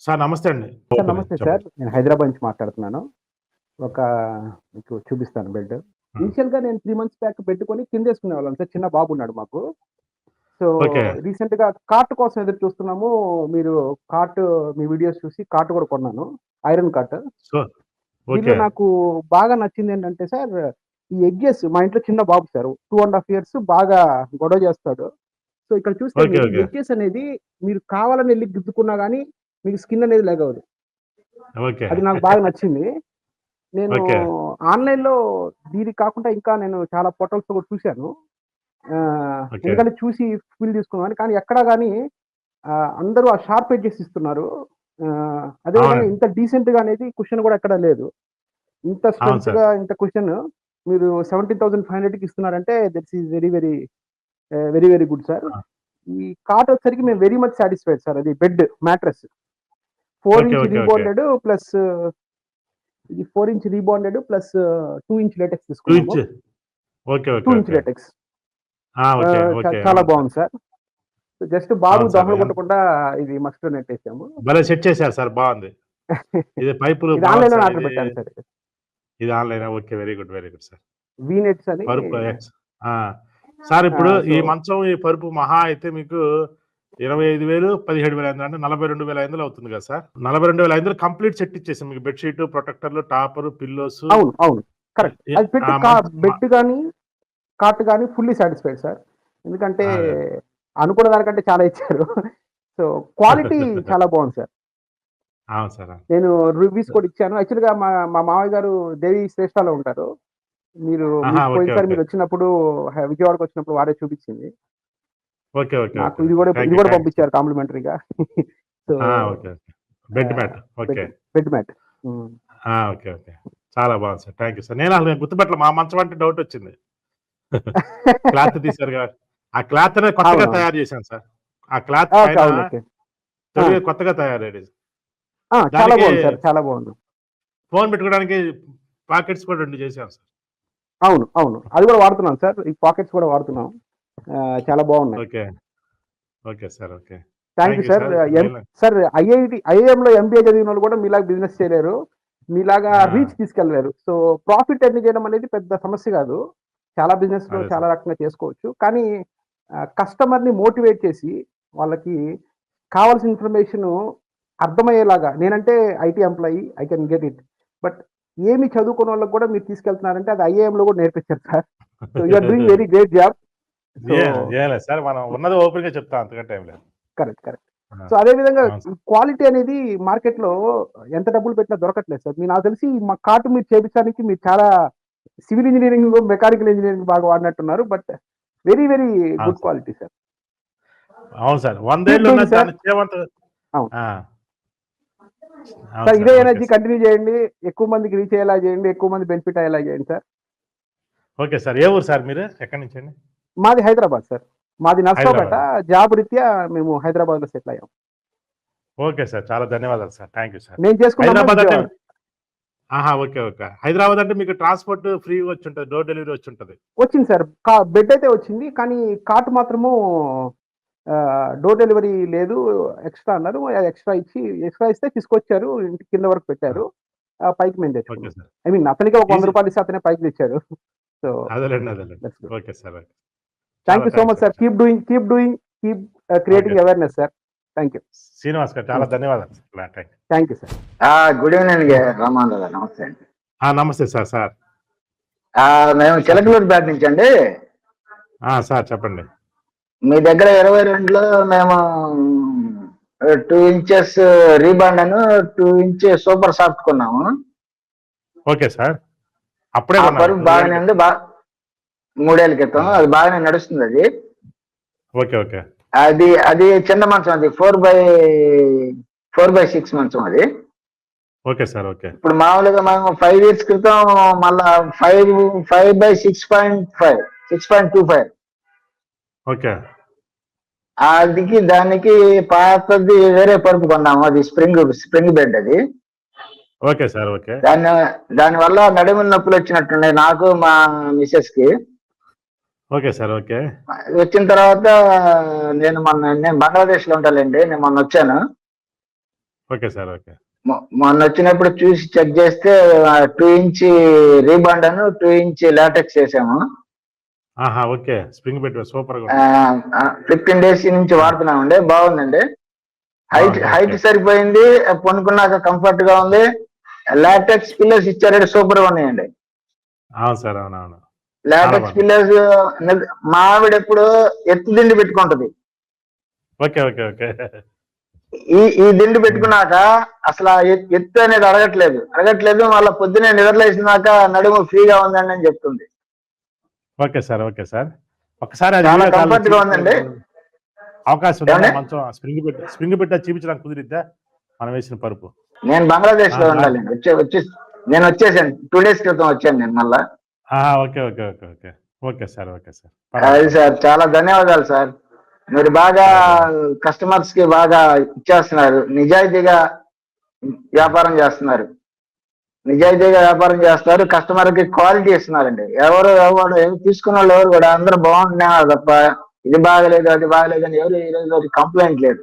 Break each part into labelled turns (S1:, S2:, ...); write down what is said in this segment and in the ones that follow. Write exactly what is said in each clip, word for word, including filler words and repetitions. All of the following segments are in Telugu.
S1: సార్ నమస్తే అండి.
S2: సార్ నమస్తే సార్. నేను హైదరాబాద్ నుంచి మాట్లాడుతున్నాను. ఒక మీకు చూపిస్తాను బెడ్.
S1: హ్మ్.
S2: ఇనిషియల్‌గా నేను మూడు మంత్స్ బ్యాక్ బెడ్ కొని కిందేసుకునేవాళ్ళం సార్. చిన్న బాబున్నాడు మాకు. So,
S1: okay.
S2: రీసెంట్‌గా కాట్ కోసం ఎదురు చూస్తున్నాము. మీరు కాట్ మీ వీడియోస్ చూసి కాట్ కూడా కొన్నాను. Iron cot.
S1: సో
S2: దీనిలో
S1: ఓకే.
S2: నాకు బాగా నచ్చిందేంటంటే సార్, ఈ ఎడ్జెస్ మా ఇంట్లో చిన్న బాబు సార్. రెండు ½ ఇయర్స్ బాగా గొడవ చేస్తాడు. సో, ఇక్కడ చూస్తే
S1: ఓకే.
S2: మీరు
S1: ఓకే.
S2: ఎడ్జెస్ అనేది మీరు కావాలని ఎళ్లి గుద్దుకున్నా గాని మీకు స్కిన్ అనేది లెగవదు.
S1: ఓకే.
S2: అది నాకు బాగా నచ్చింది. నేను
S1: ఓకే.
S2: ఆన్‌లైన్‌లో దీనికి కాకుండా ఇంకా నేను చాలా పోర్టల్స్‌లో కూడా చూసాను. ఆహ్,
S1: ఓకే.
S2: ఎందుకంటే చూసి ఫీల్ తీసుకుందామని. కానీ ఎక్కడా గాని ఆహ్, అందరూ ఆ షార్ప్ ఎడ్జెస్ ఇస్తున్నారు. ఆహ్, అదే విధంగా
S1: అవునండి.
S2: ఇంత డీసెంట్‌గా అనేది కుషన్ కూడా ఎక్కడా లేదు. ఇంత
S1: అవును సార్.
S2: స్ట్రెంగ్త్‌గా ఇంత కుషన్ మీరు పదిహేడు వేల ఐదు వందలకి ఇస్తున్నారంటే that's is very very uh, very very good sir.
S1: ఆ!
S2: ఈ కాట్ వచ్చేసరికి మేము వెరీ మచ్ సాటిస్ఫైడ్ సార్. అది బెడ్ మ్యాట్రెస్. నాలుగు
S1: okay.
S2: Inch
S1: okay. Okay.
S2: Rebonded plus ఇది నాలుగు ఇంచ్ రీబాండెడ్ ప్లస్ రెండు ఇంచ్ లేటెక్స్
S1: రెండు
S2: తీసుకున్నాము.
S1: ఇంచ్. ఓకే. ఓకే.
S2: రెండు ఇంచ్
S1: ఓకే.
S2: లేటెక్స్.
S1: ఆ! ఓకే.
S2: ఆహ్, చ
S1: ఓకే.
S2: చాలా
S1: అవును సార్.
S2: బాగుంది సార్. జస్ట్ బాబు
S1: అవును సార్.
S2: దోమలు
S1: ఎన్
S2: కుట్టకుండా ఇది మస్కిటో నెట్ ఏసాము.
S1: భలే సెట్ చేశారు సార్. బావుంది. ఇది పైపులు
S2: ఇది
S1: బావుంది
S2: ఆన్‌లైన్‌లోనే
S1: సార్.
S2: ఆర్డర్
S1: ఇది
S2: పెట్టాను సార్ ఇది.
S1: ఇది ఆన్‌లైనా? Okay. Very good. Very good sir.
S2: వి నెట్స్ అని
S1: పరుపు ఎక్స్ ఆ! సార్ ఇప్పుడు
S2: ఆహ్,
S1: ఈ
S2: సో
S1: మంచం, ఈ పరుపు మహా అయితే మీకు ఇరవై ఐదు వేలు, పదిహేడు వేల ఐదు వందలు అంటే నలభై రెండు వేల ఐదు వందలు అవుతుంది కదా సార్. నలభై రెండు వేల ఐదు వందలు కంప్లీట్ సెట్ ఇచ్చేసాం. మీకు బెడ్ షీట్, ప్రొటెక్టర్లు, టాపరు, పిల్లోసు
S2: అవును. అవును. కరెక్ట్.
S1: ఎ
S2: అది పెట్టి
S1: ఆ
S2: కా
S1: మంచం మ
S2: బెడ్ గాని, కాట్ గాని ఫుల్లీ సాటిస్ఫైడ్ సార్. ఎందుకంటే
S1: అదే.
S2: అనుకున్న దానికంటే చాలా ఇచ్చారు. సో, క్వాలిటీ చాలా బాగుంది సార్.
S1: అవును సార్. అవును.
S2: నేను రివ్యూస్ కూడా ఇచ్చాను. యాక్చువల్‌గా మా మా మామయ్య గారు దేవి శ్రేష్ఠలో ఉంటారు. మీరు
S1: ఆహా!
S2: మీకు
S1: ఓకే.
S2: పోయినసారి
S1: ఓకే.
S2: మీరొచ్చినప్పుడు హ విజయవాడకొచ్చినప్పుడు వారే చూపించింది.
S1: ఓకే. ఓకే.
S2: నాకు
S1: ఓకే.
S2: ఇది
S1: ఓకే.
S2: కూడా
S1: థాంక్
S2: ఇది
S1: యూ.
S2: కూడా
S1: థాంక్ యూ సార్.
S2: పంపించారు కాంప్లిమెంటరీగా. సో,
S1: ఆ! Okay. Okay. Bed
S2: uh,
S1: mat.
S2: Bed
S1: okay.
S2: Bed mat. Hmm.
S1: ఆ! ఓకే. ఓకే. చాలా బాగుంది సార్. Thank you sir. నేను అసలు గుర్తుపట్టలే. మా మంచం అంటే డౌటొచ్చింది. క్లాత్ తీశారు గా ఆ క్లాత్ అనేది కొత్తగా
S2: అవునవును.
S1: తయారు చేశాను సార్. ఆ క్లాత్
S2: ఓకే.
S1: పైన
S2: అవును. ఓకే. ఆ!
S1: తొడిగే కొత్తగా తయారయ్యేది.
S2: ఆ! చాలా
S1: దానికి
S2: బాగుంది సార్. చాలా బాగుంది.
S1: ఫోన్ పెట్టుకోవడానికి పాకెట్స్ కూడా రెండు చేశాం సార్.
S2: అవును. అవును. అది కూడా వాడుతున్నాం సార్. ఈ పాకెట్స్ కూడా వాడుతున్నాం. ఆహ్, చాలా బాగున్నాయి.
S1: Okay. Okay sir. Okay.
S2: Thank you
S1: thank you
S2: sir.
S1: Sir. ఇప్పుడు
S2: ఎం
S1: నేను
S2: సార్ ఐఐటీ ఐఐఎంలో ఎంబీఏ చదివినోళ్ళు కూడా మీలాగా బిజినెస్ చేయలేరు. మీలాగా రీచ్
S1: ఆ!
S2: తీసుకెళ్ళలేరు. సో, ప్రాఫిట్ ఎర్న్ చేయడం అనేది పెద్ద సమస్య కాదు. చాలా బిజినెస్‌లో
S1: అదే
S2: చాలా
S1: సార్.
S2: రకంగా చేసుకోవచ్చు. కానీ ఆహ్, కస్టమర్‌ని మోటివేట్ చేసి వాళ్ళకి కావాల్సిన ఇన్ఫర్మేషను అర్థమయ్యేలాగా నేనంటే IT employee I can get it. But ఏమి చదువుకున్నోళ్ళకి కూడా మీరు తీసుకెళ్తున్నారంటే అది ఐఐఎంలో కూడా నేర్పించారు sir. So, you are doing very great job. So
S1: ఏ ఏం లేదు సార్. మనం ఉన్నది ఓపెన్‌గా చెప్తాం. అంతకంటే ఏం లేదు.
S2: కరెక్ట్. కరెక్ట్.
S1: ఆ!
S2: సో, అదే విధంగా
S1: అవును సార్.
S2: క్వాలిటీ అనేది మార్కెట్‌లో ఎంత డబ్బులు పెట్టినా దొరకట్లేదు సార్. మీ నాకు తెలిసి మా కార్ట్ మీరు చేపించడానికి మీరు చాలా సివిల్ ఇంజినీరింగ్, మెకానికల్ ఇంజినీరింగ్ బాగా వాడినట్టున్నారు. బట్ వెరీ వెరీ
S1: అవును
S2: గుడ్
S1: సార్.
S2: Quality sir.
S1: అవును సార్.
S2: కీప్
S1: వందేళ్లు
S2: డూయింగ్
S1: ఉన్నది
S2: సార్.
S1: దాన్ని చేయమంత
S2: అవును.
S1: ఆ! అవును
S2: సార్
S1: సార్.
S2: ఇదే
S1: ఓకే
S2: ఎనర్జీ
S1: సార్.
S2: కంటిన్యూ చేయండి. ఎక్కువ మందికి రీచ్ అయ్యేలా చేయండి. ఎక్కువ మంది బెనిఫిట్ అయ్యేలా చేయండి సార్.
S1: Okay sir. ఏ ఊరు సార్ మీరు? ఎక్కడి నుంచండి?
S2: మాది హైదరాబాద్ సార్. మాది నర్సరావుపేట.
S1: హైదరాబాద్.
S2: జాబ్ రీత్యా మేము హైదరాబాద్‌లో సెటిల్ అయ్యాం.
S1: Okay sir. చాలా ధన్యవాదాలు సార్. Thank you sir.
S2: నేను చేసుకున్న అమ్మాయి
S1: హైదరాబాద్ అంటే
S2: విజయవాడ.
S1: ఆహా! ఓకే. ఓకే. హైదరాబాద్ అంటే మీకు ట్రాన్స్‌పోర్ట్ ఫ్రీగా వచ్చుంటది. Door delivery వచ్చుంటది.
S2: వచ్చింది సార్. కా బెడ్ అయితే వచ్చింది. కానీ కార్ట్ మాత్రము ఆహ్, డోర్ డెలివరీ లేదు. ఎక్స్‌ట్రా అన్నారు. ఎక్స్‌ట్రా ఇచ్చి ఎక్స్‌ట్రా ఇస్తే తీసుకొచ్చారు. ఇంటి కింద వరకు
S1: ఆ!
S2: పెట్టారు. ఆహ్, పైకి మేము
S1: ఓకే
S2: తెచ్చుకున్నాం.
S1: సార్.
S2: ఐ మీన్ అతనికే ఒక
S1: ఈజీ
S2: రూ. వంద ఇస్తే అతనే పైకి తెచ్చాడు. సో,
S1: అదేలెండి. అదేలెండి.
S2: That's good.
S1: Okay sir. Okay.
S2: Thank
S1: చాలా
S2: యూ సో
S1: థాంక్స్
S2: మచ్
S1: అండి.
S2: Sir. Keep doing, keep doing, keep uh,
S1: okay
S2: creating
S1: sir.
S2: Awareness sir. Thank you.
S1: Srinivas garu చాలా
S2: హ్మ్.
S1: ధన్యవాదాలు sir. Thank you.
S2: Thank you sir.
S3: ఆ! Good evening Ramarao garu. నమస్తే అండి.
S1: ఆ! నమస్తే సార్. సార్.
S3: ఆహ్, మేము
S1: సార్ చెప్
S3: చిలకలూరిపేట నుంచండి.
S1: ఆ! సార్ చెప్పండి.
S3: మీ దగ్గర ఇరవై రెండులో మేము రెండు ఇంచెస్ రీబాండను, రెండు ఇంచ్ సూపర్ సాఫ్ట్ కొన్నాము.
S1: Okay sir. అప్పుడే
S3: ఆ
S1: కొన్నారు.
S3: పరుపు
S1: మూడు ఏళ్ల
S3: బాగానే ఉంది.
S1: క్రితం.
S3: బా మూడు ఏళ్ల క్రితం.
S1: హ్మ్.
S3: అది బాగానే నడుస్తుందది.
S1: ఓకే. ఓకే.
S3: అది అది చిన్న మంచం అది నాలుగు బై నాలుగు బై ఆరు మంచం అది.
S1: Okay sir. ఓకే.
S3: ఇప్పుడు మామూలుగా మేము ఐదు ఇయర్స్ క్రితం మళ్ళా ఐదు, ఐదు బై ఆరు పాయింట్ ఐదు, ఆరు పాయింట్ ఇరవై ఐదు
S1: ఓకే.
S3: అదికి దానికి పాతది వేరే పరుపు కొన్నాము. అది స్ప్రింగ్ స్ప్రింగ్ బెడ్ అది.
S1: Okay sir. ఓకే.
S3: దాని దాని వల్ల నడుముల నొప్పులు వచ్చినట్టున్నాయి నాకు, మా మిసెస్ కి.
S1: Okay sir. ఓకే.
S3: వచ్చిన తర్వాత నేను మొన్న నేను బంగ్లాదేశ్ లో ఉంటానండి. నేను మొన్న వచ్చాను.
S1: Okay sir. ఓకే.
S3: మొ- మొన్న వచ్చినప్పుడు చూసి చెక్ చేస్తే టూ ఇంచ్ రీబాండ్ అను టూ ఇంచ్ లాటెక్స్ వేసాము.
S1: ఆహా! ఓకే. స్ప్రింగ్ బెట్ సూపర్‌గా
S3: ఆ,
S1: ఉంది.
S3: ఫిఫ్టీన్ డేస్ నుంచి
S1: ఆ!
S3: వాడుతున్నామండి, బాగుందండి. హైట్
S1: బాగుంది.
S3: Height
S1: okay.
S3: సరిపోయింది, పనుకున్నాక కంఫర్ట్ గా ఉంది. లాటెక్స్ పిల్లర్స్ ఇచ్చారంటే సూపర్ గా ఉన్నాయండి.
S1: అవును సార్. అవునవును. చాలా
S3: లాటెక్స్
S1: బాగుంది.
S3: పిల్లర్స్ మా ఆవిడ ఎప్పుడు ఎత్తు దిండు పెట్టుకుంటది.
S1: ఓకే. ఓకే. ఓకే.
S3: ఈ ఈ దిండు
S1: హ్మ్.
S3: పెట్టుకున్నాక అసలు ఆ ఎత్- ఎత్తు అనేది అడగట్లేదు అడగట్లేదు మళ్ళీ పొద్దునే నిద్రలేసినాక నడుము ఫ్రీగా ఉందండి అని చెప్తుంది.
S1: Okay sir. Okay sir. ఒక్కసారి అది
S3: చాలా
S1: వీడియో కాల్‌లో
S3: కంఫర్ట్ గా ఉందండి.
S1: చూపించడానికి అవకాశం ఉందా?
S3: ఏమండి,
S1: మంచం స్ప్రింగ్ బెడ్ స్ప్రింగ్ బెడ్ అది చూపించడానికి కుదిరిద్దా? మనం వేసిన పరుపు.
S3: నేను బంగ్లాదేశ్
S1: ఆ!
S3: లో
S1: లా
S3: ఉండాలండి, వచ్చే వచ్చి నేను వచ్చేసాను, టూ డేస్ క్రితం వచ్చాను నేను మళ్ళా.
S1: ఆహా! Okay. Okay. Okay. Okay. Okay sir. Okay sir. పర్వాలేదు.
S3: అది సార్,
S1: పర్వాలేదు.
S3: చాలా ధన్యవాదాలు సార్. మీరు బాగా
S1: సరే సార్.
S3: కస్టమర్స్ కి బాగా ఇచ్చేస్తున్నారు, నిజాయితీగా
S1: హ్మ్.
S3: వ్యాపారం చేస్తున్నారు. నిజాయితీగా వ్యాపారం చేస్తారు, కస్టమర్ కి క్వాలిటీ ఇస్తున్నారండి. ఎవరు ఎవరు ఎవరు తీసుకున్న వాళ్ళు ఎవరు కూడా అందరూ బాగుంటున్నారు తప్ప ఇది బాగలేదు అది బాగలేదు అని ఎవరు ఈ రోజు కంప్లైంట్ లేదు.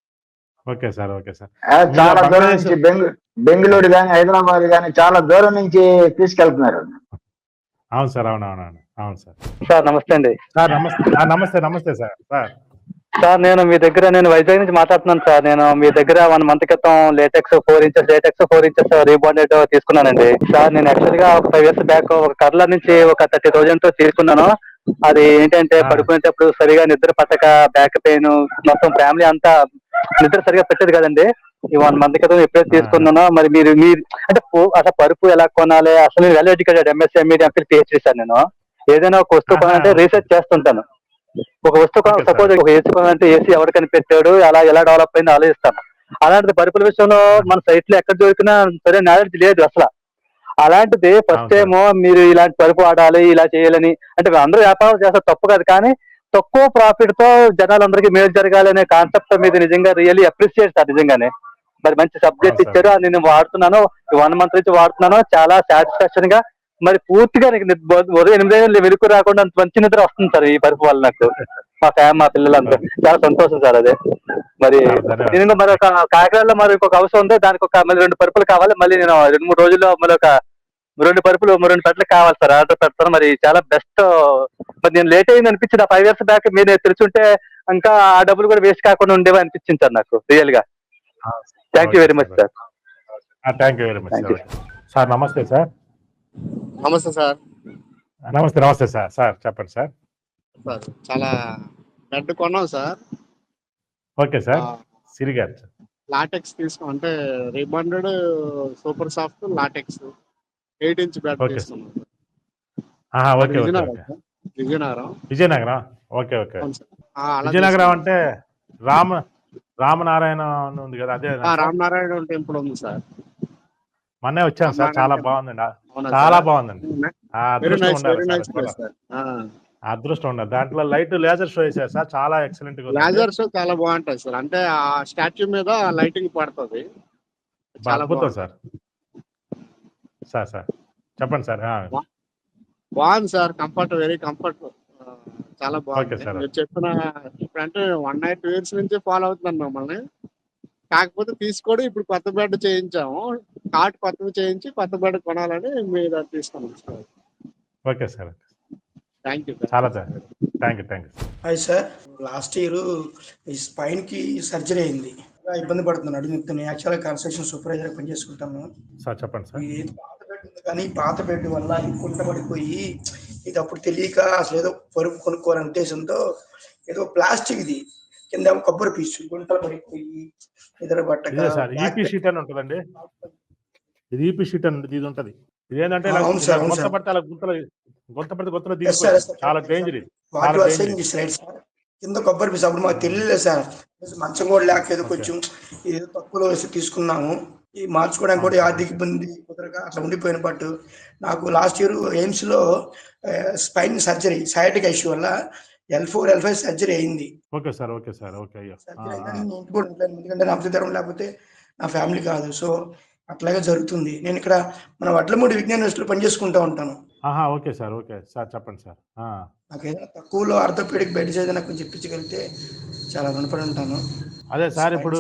S1: Okay sir. Okay sir.
S3: ఆ,
S1: మీరు
S3: చాలా దూరం
S1: బంగ్లాదేశ్
S3: నుంచి బెంగ
S1: ఆ!
S3: బెంగళూరు కానీ హైదరాబాద్ కానీ చాలా దూరం నుంచి తీసుకెళ్తున్నారు.
S1: అవును సార్. అవునవునవును. అవును సార్.
S4: సార్ నమస్తే అండి.
S1: సార్ నమస్తే. ఆ! నమస్తే. నమస్తే సార్. సార్.
S4: సార్ నేను మీ దగ్గర నేను వైజాగ్ నుంచి మాట్లాడుతున్నాను సార్. నేను మీ దగ్గర వన్ మంత్ క్రితం latex four inches latex four inches rebonded తీసుకున్నానండి. సార్ నేను యాక్చువల్ గా ఒక ఫైవ్ ఇయర్స్ బ్యాక్ ఒక కర్ల నుంచి ఒక థర్టీ థౌజండ్ తో తీసుకున్నాను. అది ఏంటంటే
S1: ఆ!
S4: పడుకునేటప్పుడు సరిగా నిద్ర పట్టక బ్యాక్ పెయిన్ మొత్తం ఫ్యామిలీ అంతా నిద్ర సరిగా పెట్టేది కదండి. ఈ వన్ మంత్ క్రితం ఎప్పుడైతే
S1: ఆ!
S4: తీసుకున్నానో మరి మీరు మీరు అంటే పో- అసలు పరుపు ఎలా కొనాలి అసలు నేను well educated MSc MEd MPhil PhD sir. నేను ఏదైనా ఒక వస్తువు
S1: ఆహా!
S4: కొనాలంటే
S1: ఓకే.
S4: రీసెర్చ్ చేస్తుంటాను. ఒక వస్తువు
S1: ఓకే సార్.
S4: సపోజ్ ఒక ఏసీ కొనాలంటే ఏసీ ఎవరు కనిపెట్టాడు అలా ఎలా డెవలప్ అయింది ఆలోచిస్తాను. అలాంటిది పరుపుల విషయంలో
S1: ఆ!
S4: మన సైట్ లో ఎక్కడ దొరికినా సరే నాలెడ్జ్ లేదు అసలు. అలాంటిది ఫస్ట్
S1: అవును
S4: టైం
S1: సార్.
S4: మీరు ఇలాంటి పరుపు వాడాలి ఇలా చేయాలని అంటే అందరూ వ్యాపారం చేస్తారు తప్పు కాదు, కానీ తక్కువ ప్రాఫిట్ తో జనాలందరికీ మేలు జరగాలి అనే కాన్సెప్ట్ మీద నిజంగా రియల్లీ అప్రిషియేట్ సార్ నిజంగానే. మరి మంచి
S1: అవును
S4: సబ్జెక్ట్
S1: సార్.
S4: ఇచ్చారు, అది నేను వాడుతున్నాను, వన్ మంత్ నుంచి వాడుతున్నాను, చాలా సాటిస్ఫాక్షన్ గా మరి పూర్తిగా నీకు నిద్ర- ఉదయం ఎనిమిది గంటలు వెలుగు రాకుండా అంత మంచి నిద్ర వస్తుంది సార్ ఈ పరుపు వల్ల నాకు, మా ఫ్యామ్ మా పిల్లలంతా.
S1: ఓకే.
S4: చాలా సంతోషం సార్ అదే. మరి
S1: చాలా ధన్యవాదాలు
S4: నేను
S1: సార్.
S4: మరి ఒక కాకినాడలో మరి ఒక అవసరం ఉంది, దానికి ఒక మళ్ళీ రెండు పరుపులు కావాలి, మళ్ళీ నేను రెండు మూడు రోజుల్లో మళ్ళీ ఒక రెండు పరుపులు రెండు పెట్టలు కావాలి సార్, ఆర్డర్ పెడతాను. మరి చాలా బెస్ట్. మరి నేను లేట్ అయింది అనిపించింది ఫైవ్ ఇయర్స్ బ్యాక్, మీరు తెలుసుంటే ఇంకా ఆ డబ్బులు కూడా వేస్ట్ కాకుండా ఉండేవి అనిపించింది సార్ నాకు రియల్ గా.
S1: అవును sir.
S4: Thank you
S1: okay
S4: very
S1: sir.
S4: Much
S1: okay.
S4: Sir.
S1: ఆ! Thank you very much
S4: thank
S1: sir.
S4: You.
S1: Okay. Sir నమస్తే సార్.
S5: నమస్తే సార్.
S1: నమస్తే. నమస్తే సార్. సార్ చెప్పండి సార్.
S5: సార్ చాలా బెడ్ కొన్నాం sir.
S1: Okay sir.
S5: Uh,
S1: Siri garu.
S5: Latex తీసుకున్నాం. అంటే rebonded super soft latex eight inch bed
S1: okay sir.
S5: తీసుకున్నాం సార్.
S1: ఆహా!
S5: మాది
S1: okay. Okay.
S5: Vizianagaram
S1: okay.
S5: Sir. Vizianagaram.
S1: Vizianagaram. Okay. Okay.
S5: అవును సార్. ఆ! అలా
S1: విజయనగరం
S5: తీసుకున్నాం.
S1: అంటే రామ రామనారాయణ అని ఉంది కదా! అదేనా
S5: ఆ!
S1: సార్?
S5: రామనారాయణ టెంపుల్ ఉంది సార్.
S1: మొన్నే వచ్చాను సార్.
S5: రామనారాయణ
S1: చాలా
S5: టెంపుల్.
S1: బాగుందండి. ఆ!
S5: అవునా
S1: చాలా
S5: సార్?
S1: బాగుందండి. ఆ
S5: వెరీ
S1: అదృష్టం
S5: నైస్.
S1: ఉండాలి
S5: వెరీ
S1: సార్.
S5: నైస్
S1: చూడ
S5: ప్లేస్ సార్. ఆ!
S1: ఆ అదృష్టం ఉండాలి. దాంట్లో లైట్ లేజర్ షో ఏసారు సార్. చాలా ఎక్సలెంట్‌గా ఉందండి.
S5: లేజర్ షో చాలా బాగుంటాయి సార్. అంటే ఆ స్టాచ్యూ మీద లైటింగ్ పడతది.
S1: అబ్బా!
S5: చాలా
S1: అద్భుతం
S5: బాగుంటది.
S1: సార్. సార్ సార్ చెప్పండి సార్. ఆ!
S5: బా బాగుంది సార్. Comfort very comfort. ఆహ్, చాలా
S1: ఓకే
S5: బాగుంది.
S1: సార్.
S5: మీరు చెప్పిన ఇప్పుడంటే వన్ ఇయర్, టూ ఇయర్స్ నుంచి ఫాలో అవుతున్నాను మిమ్మల్ని. కాకపోతే తీసుకోవడం ఇప్పుడు కొత్త బెడ్ చేయించాము. కాట్ కొత్తది చేయించి కొత్త బెడ్ కొనాలని మీ దగ్గర తీసుకున్నాం sir.
S1: Okay sir.
S5: Thank you. Thank
S1: చాలా
S5: యూ
S1: థా
S5: sir.
S1: Thank you. Thank you.
S6: Hi sir. Last year ఈ స్పైన్ కి సర్జరీ అయింది. చాలా ఇబ్బంది పడుతున్నాను అడుగు నొప్పితో. నేను యాక్చువల్గా కన్స్ట్రక్షన్ సూపర్వైజర్ పని చేసుకుంటాను.
S1: సార్ చెప్పండి సార్.
S6: ఈ పాత బెడ్ ఉంది కానీ పాత బెడ్ వల్ల ఈ కుంట పడిపోయి ఇది అప్పుడు తెలియక అసలు ఏదో పరుపు కొనుక్కోవాలనే ఉద్దేశంతో ఏదో ప్లాస్టిక్ ఇది కింద ఏమో కొబ్బరి పీచు గుంటలు పడిపోయి నిద్ర పట్టక
S1: ఇదే సార్.
S6: బ్యాక్
S1: ఈపీ షీట్ అని ఉంటదండి. ఇది ఈపీ షీట్ అని ఇది ఉంటది. ఇదేంటంటే ఇలా
S6: అవును
S1: ఇలా
S6: సార్, అవును
S1: గుంత
S6: సార్.
S1: పడితే అలా గుంతలో గుంత పడితే గుంతలో
S6: ఎస్ సార్, ఎస్
S1: దిగిపోద్ది.
S6: సార్,
S1: చాలా
S6: కరెక్ట్
S1: డేంజర్
S6: సార్.
S1: ఇది.
S6: వాట్
S1: చాలా
S6: యు ఆర్
S1: డేంజర్
S6: సేయింగ్
S1: ఇది.
S6: Is right sir. కింద కొబ్బరి పీచు అప్పుడు మాకు తెలియలేదు సార్. మంచం కూడా లేక ఏదో
S1: ఓకే.
S6: కొంచెం ఏదో తక్కువలో వేసి తీసుకున్నాము. ఈ మార్చుకోవడానికి
S1: అవును
S6: కూడా
S1: సార్.
S6: ఆర్థిక
S1: ఓకే.
S6: ఇబ్బంది కుదరక అట్లా ఉండిపోయిన. బట్ నాకు లాస్ట్ ఇయర్ ఎయిమ్స్ లో స్పైన్ సర్జరీ సయాటిక్ ఇష్యూ వల్ల L four L five surgery అయింది.
S1: Okay sir. Okay sir. Okay. అయ్యో! ఆ!
S6: సర్జరీ
S1: ఆ!
S6: అయిందని నేను ఇంటి కూడా ఉంటాను, ఎందుకంటే నా ధరం లేకపోతే నా ఫ్యామిలీ కాదు. సో అట్లాగే జరుగుతుంది. నేను ఇక్కడ మన వడ్లమూడి విజ్ఞాన యూనివర్సిటీలో పనిచేసుకుంటా ఉంటాను.
S1: ఆహా! Okay sir. ఓకే. సార్ చెప్పండి సార్. ఆ!
S6: నాకు ఏదైనా తక్కువలో ఆర్థోపెడిక్ బెడ్స్ ఏదైనా కొంచెం ఇప్పించగలిగితే చాలా రుణపడి ఉంటాను.
S1: అదే సార్
S6: స్పైన్
S1: ఇప్పుడు
S6: సర్జరీ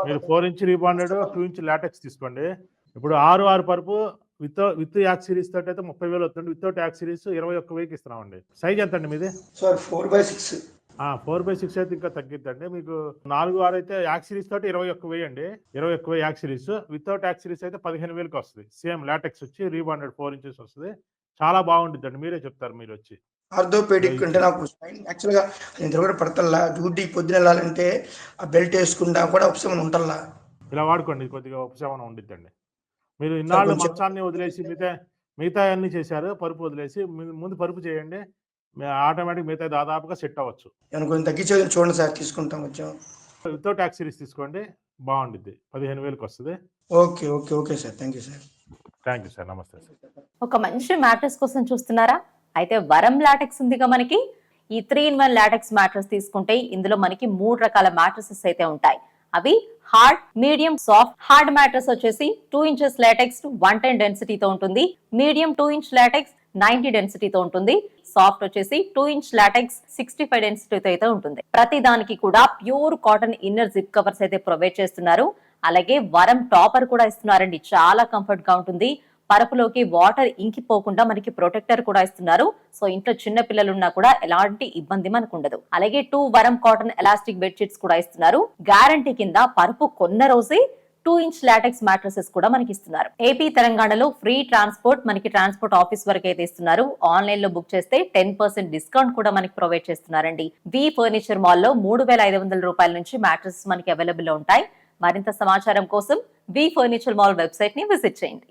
S1: మీరు four inch rebonded two inch latex తీసుకోండి. ఇప్పుడు ఆరు ఆరు పరుపు విత్ విత్ యాక్ సిరీస్ తోటి అయితే ముప్పై వేలు వస్తుంది. వితౌట్ యాక్ సిరీస్ ఇరవై ఒక్క వెయ్యికి ఇస్తున్నామండి. సైజ్ ఎంత అండి మీది?
S6: Sir four by six
S1: four by six అయితే ఇంకా తగ్గిద్దండి. మీకు నాలుగు ఆరు అయితే యాక్ సిరీస్ తోటి ఇరవై ఒక్క వెయ్యి అండి. ఇరవై ఒక్క వెయ్యి యాక్ సిరీస్. వితౌట్ యాక్ సిరీస్ అయితే పదిహేను వేలకి వస్తుంది. సేమ్ లాటెక్స్ వచ్చి రీబాండెడ్ ఫోర్ ఇంచెస్ వస్తుంది. చాలా బాగుంటుంది అండి. మీరే చెప్తారు మీరు వచ్చి.
S6: ఆర్థోపెడిక్ అంటే నాకు యాక్చువల్ గా నిద్ర కూడా పడతల్లా, డ్యూటీ పొద్దున వెళ్ళాలంటే ఆ బెల్ట్ వేసుకుంటా కూడా ఉపశమనం ఉంటల్లా.
S1: ఇలా వాడుకోండి, కొద్దిగా ఉపశమనం ఉండిద్దండి. మీరు ఇన్నాళ్ళు
S6: కొంచెం-
S1: మంచాన్ని వదిలేసి మిగతా మిగతా అన్ని చేశారు, పరుపు వదిలేసి ము- ముందు పరుపు చేయండి. ఆటోమేటిక్ మిగతా దాదాపుగా సెట్ అవ్వచ్చు.
S6: ఏమైనా కొంచెం తగ్గించేది చూడండి సార్, తీసుకుంటాం కొంచెం.
S1: వితౌట్ యాక్ సిరీస్ తీసుకోండి, బాగుండిద్ది. పదిహేను వేలకు వస్తుంది.
S6: Okay okay okay sir, thank you sir.
S1: Thank you sir. నమస్తే సార్.
S7: ఒక మంచి మ్యాట్రెస్ కోసం చూస్తున్నారా? అయితే వరం లాటెక్స్ ఉందిగా మనకి. ఈ three in one latex mattress తీసుకుంటే ఇందులో మనకి మూడు రకాల మ్యాట్రెసెస్ అయితే ఉంటాయి. అవి hard, medium, soft. Hard mattress వచ్చేసి two inches latex one ten డెన్సిటీతో ఉంటుంది. Medium two inch latex ninety డెన్సిటీతో ఉంటుంది. సాఫ్ట్ వచ్చేసి two inch latex sixty five డెన్సిటీతో అయితే ఉంటుంది. ప్రతి దానికి కూడా pure cotton inner zip covers అయితే ప్రొవైడ్ చేస్తున్నారు. అలాగే వరం టాపర్ కూడా ఇస్తున్నారండి. చాలా కంఫర్ట్ గా ఉంటుంది. పరుపులోకి వాటర్ ఇంకిపోకుండా మనకి ప్రొటెక్టర్ కూడా ఇస్తున్నారు. సో ఇంట్లో చిన్న పిల్లలు ఉన్నా కూడా ఎలాంటి ఇబ్బంది మనకు ఉండదు. అలాగే టూ వరం కాటన్ ఎలాస్టిక్ బెడ్షీట్స్ కూడా ఇస్తున్నారు. గ్యారంటీ కింద పరుపు కొన్న రోజే టూ ఇంచ్ లాటెక్స్ మ్యాట్రసెస్ కూడా మనకి ఇస్తున్నారు. ఏపీ తెలంగాణలో ఫ్రీ ట్రాన్స్పోర్ట్, మనకి ట్రాన్స్పోర్ట్ ఆఫీస్ వరకు అయితే ఇస్తున్నారు. ఆన్లైన్ లో బుక్ చేస్తే టెన్ పర్సెంట్ డిస్కౌంట్ కూడా మనకి ప్రొవైడ్ చేస్తున్నారండి. వి ఫర్నిచర్ మాల్ లో మూడు వేల ఐదు వందల రూపాయల నుంచి మ్యాట్రసెస్ మనకి అవైలబుల్ లో ఉంటాయి. మరింత సమాచారం కోసం వి ఫర్నిచర్ మాల్ వెబ్సైట్ ని విజిట్ చేయండి.